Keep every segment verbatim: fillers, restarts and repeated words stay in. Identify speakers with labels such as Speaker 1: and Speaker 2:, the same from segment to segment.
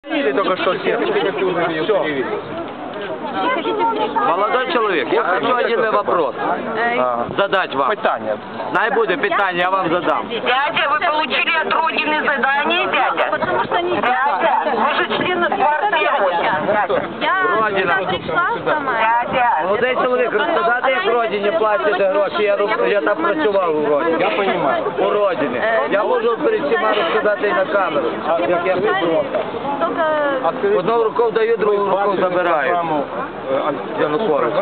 Speaker 1: Или только что все. Все.
Speaker 2: Молодой человек, я хочу один вопрос задать вам.
Speaker 1: Питание.
Speaker 2: Найбуде питание, я вам задам.
Speaker 3: Дядя, вы получили от Родины задание, дядя? Потому что не дядя. Вы же член партии Родина.
Speaker 2: Родина.
Speaker 3: Дядя.
Speaker 2: Молодий чоловік, розказати, як Родині платять гроші, я, я там працював у Родині.
Speaker 1: Я понимаю.
Speaker 2: У Родині. Я можу перед всіма розказати і на камеру, як я вибрав. Одну руку даю, другу руку забираю. Янукович.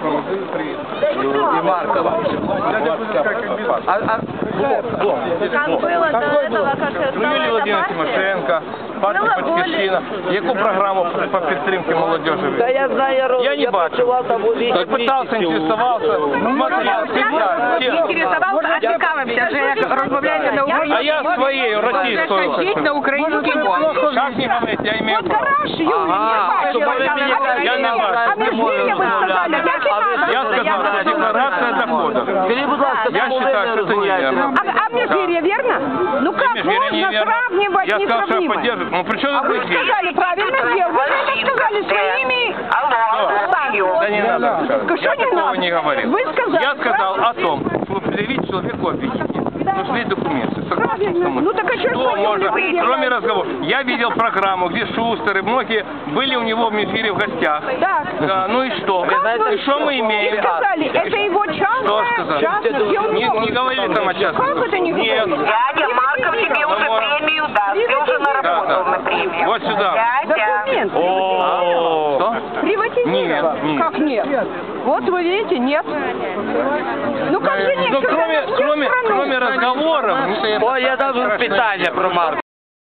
Speaker 2: И Маркова. А, а,
Speaker 4: Как было до этого, как
Speaker 1: Ну, Юлія Володимирівна Тимошенко, партія Батьківщина. Яку програму по підтримці молодежі?
Speaker 2: да я знаю, я,
Speaker 1: Я не
Speaker 2: я
Speaker 1: бачу.
Speaker 2: працював там у
Speaker 1: Я пытался, интересовался, смотрел, специально.
Speaker 5: Интересовался, а цікавився вже, як розмовляєте на українській
Speaker 1: А я своєю російською.
Speaker 5: Скажіть на українській мові.
Speaker 1: Как не говорить, я имею
Speaker 5: От
Speaker 1: право.
Speaker 5: гараж, Юлія,
Speaker 2: Ага,
Speaker 5: я
Speaker 2: щоб ви
Speaker 5: бачила.
Speaker 2: мені
Speaker 5: А ви
Speaker 1: я не
Speaker 5: мені-
Speaker 1: бачу.
Speaker 5: а ви ж мені ви сказали, як і
Speaker 1: Я
Speaker 5: надо.
Speaker 1: сказал, что декларация доходов.
Speaker 2: Скажіть, будь ласка,
Speaker 1: Я
Speaker 2: чому ви
Speaker 1: считаю,
Speaker 2: не
Speaker 1: что это
Speaker 2: розмовляєте?
Speaker 1: неверно.
Speaker 5: А, а Межгирье верно? Ну как
Speaker 1: Межгирье
Speaker 5: можно
Speaker 1: неверно.
Speaker 5: сравнивать
Speaker 1: Я сказал, что я
Speaker 5: несравнимое?
Speaker 1: поддерживаю. Ну при чем
Speaker 5: А
Speaker 1: тут
Speaker 5: вы
Speaker 1: Межгирье?
Speaker 5: сказали, правильно сделал. Вы это сказали своими...
Speaker 3: Алло,
Speaker 1: Да не надо.
Speaker 5: Что
Speaker 1: Я
Speaker 5: не
Speaker 1: такого
Speaker 5: надо?
Speaker 1: не говорил.
Speaker 5: Вы сказали,
Speaker 1: Я сказал
Speaker 5: правильно?
Speaker 1: о том, что предъявить человеку обвинение нужны документы. Согласны
Speaker 5: Правильно.
Speaker 1: со мной?
Speaker 5: Ну так а что ж
Speaker 1: Что
Speaker 5: вы
Speaker 1: можно,
Speaker 5: не предъявляете?
Speaker 1: кроме разговора. Я видел программу, где Шустер и многие были у него в Межгирье в гостях.
Speaker 5: Так.
Speaker 1: Да, ну и что?
Speaker 5: Как
Speaker 1: И что мы
Speaker 5: И
Speaker 1: имеем?
Speaker 5: сказали, это его
Speaker 1: Что
Speaker 5: частное,
Speaker 1: сказали?
Speaker 5: частное, где он
Speaker 1: Не,
Speaker 5: его-
Speaker 1: не говорили там о частном.
Speaker 5: Как это не
Speaker 1: Нет.
Speaker 5: говорили?
Speaker 3: дядя Марков тебе уже
Speaker 1: вот.
Speaker 3: премию даст. Ты уже наработал
Speaker 1: Да, да.
Speaker 3: на премию.
Speaker 1: Вот сюда.
Speaker 3: Дядя.
Speaker 5: Документ.
Speaker 1: О, что?
Speaker 5: Приватизировал?
Speaker 1: Нет, нет.
Speaker 5: Как нет? Вот вы видите, нет. Ну как же нет?
Speaker 1: Ну,
Speaker 5: Когда
Speaker 1: кроме,
Speaker 5: всю
Speaker 1: кроме,
Speaker 5: страну-
Speaker 1: кроме разговоров...
Speaker 2: О, я дам питання про Маркова.